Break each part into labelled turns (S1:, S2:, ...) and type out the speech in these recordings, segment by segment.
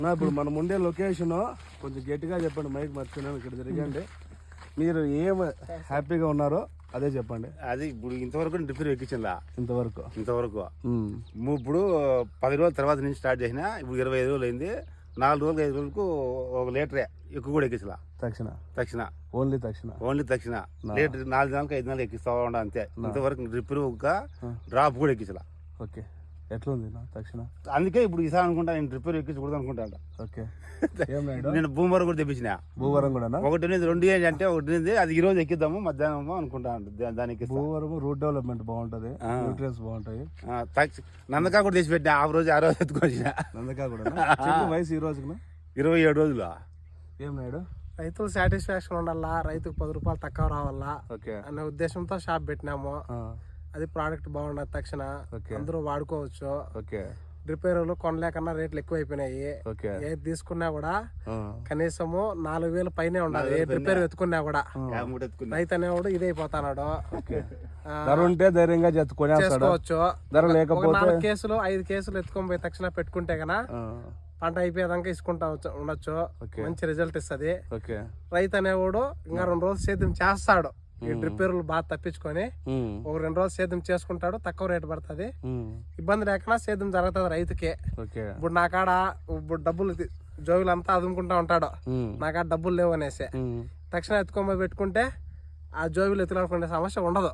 S1: ఇప్పుడు మనం ఉండే లొకేషన్ కొంచెం గట్టిగా చెప్పండి, మైక్ మర్చిపోయినా ఇక్కడ తిరగండి. మీరు ఏం హ్యాపీగా ఉన్నారో అదే చెప్పండి.
S2: అది ఇప్పుడు ఇంతవరకు డ్రిప్ ఎక్కించిందా?
S1: ఇంతవరకు
S2: ఇప్పుడు 10 రోజుల తర్వాత నుంచి స్టార్ట్ చేసిన, ఇప్పుడు 25 రోజులు అయింది. 4 రోజులు 5 రోజులకు 1 లీటరే ఎక్కువ కూడా ఎక్కించలా. తక్షణ ఓన్లీ తక్షణ లీటర్ 4 నెలలకు 5 నెలలు ఎక్కిస్తా ఉండ అంతే. ఇంతవరకు డ్రిప్ ఒక డ్రాప్ కూడా ఎక్కించలా.
S1: ఓకే, ఎట్లుంది తక్షణ?
S2: అందుకే ఇప్పుడు ఈసారి అనుకుంటా నేను డ్రిప్ ఎక్కించకూడదు అనుకుంటా.
S1: ఓకే,
S2: నేను భూమరం కూడా తెప్పించిన.
S1: భూవరం కూడా
S2: 2 అంటే 1 అది ఈ రోజు ఎక్కిద్దాము మధ్యాహ్నం అనుకుంటా. దానికి
S1: భూవరం రూట్ డెవలప్మెంట్ బాగుంటది, న్యూట్రియన్స్ బాగుంటాయి.
S2: నందకా కూడా తెచ్చి పెట్టిన. ఆ రోజు ఎత్తుకొచ్చిన
S1: నందకా కూడా. వయసు ఈ రోజుకు
S2: 27 రోజులు.
S1: ఏం నాయుడు?
S3: రైతులు సాటిస్ఫాక్షన్ ఉండాలా, రైతుకు 10 రూపాయలు తక్కువ రావాలా అనే ఉద్దేశంతో షాప్ పెట్టినాము. అది ప్రోడక్ట్ బాగుండదు, తక్షణ అందరూ వాడుకోవచ్చు. డ్రిప్ ఎరువులు కొనలేకన్నా రేట్లు ఎక్కువ అయిపోయినాయి. ఏది తీసుకున్నా కూడా కనీసము 4,000 పైనే ఉండాలి. ఏ డ్రిప్ ఎరువు ఎత్తుకున్నా కూడా రైతు అనేవాడు ఇదైపోతాడు.
S1: ధైర్యంగా
S3: చేసుకోవచ్చు. 4 కేసులు 5 కేసులు ఎత్తుకొని పోయి తక్షణ పెట్టుకుంటే గనా పంట అయిపోయేదాకా ఇసుకుంటా ఉండొచ్చు. మంచి రిజల్ట్ ఇస్తుంది. రైతు అనేవాడు ఇంకా 2 రోజులు సేద్యం చేస్తాడు. ఈ డ్రిప్ ఎరువులు బాగా తప్పించుకొని 2 రోజులు సేద్యం చేసుకుంటాడు, తక్కువ రేటు పడుతుంది. ఇబ్బంది లేకుండా సేద్యం జరుగుతుంది రైతుకే. ఇప్పుడు నా కాడ ఇప్పుడు డబ్బులు జోబులు అంతా అదుముకుంటా ఉంటాడు, నా కాడ డబ్బులు లేవు అనేసి తక్షణ ఎత్తుకొని పెట్టుకుంటే ఆ జోబులు ఎత్తులాడుకునే సమస్య ఉండదు.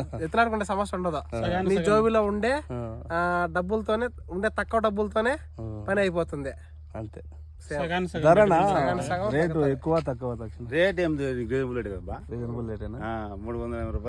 S3: నీ జోబిలో ఉండే డబ్బులతోనే తక్కువ డబ్బులతోనే పని అయిపోతుంది
S1: అంతే. రేటు ఎక్కువ తక్కువ?
S2: రేట్ ఏం రీజనబుల్ రేట్ కదా, 380 రూపాయలు.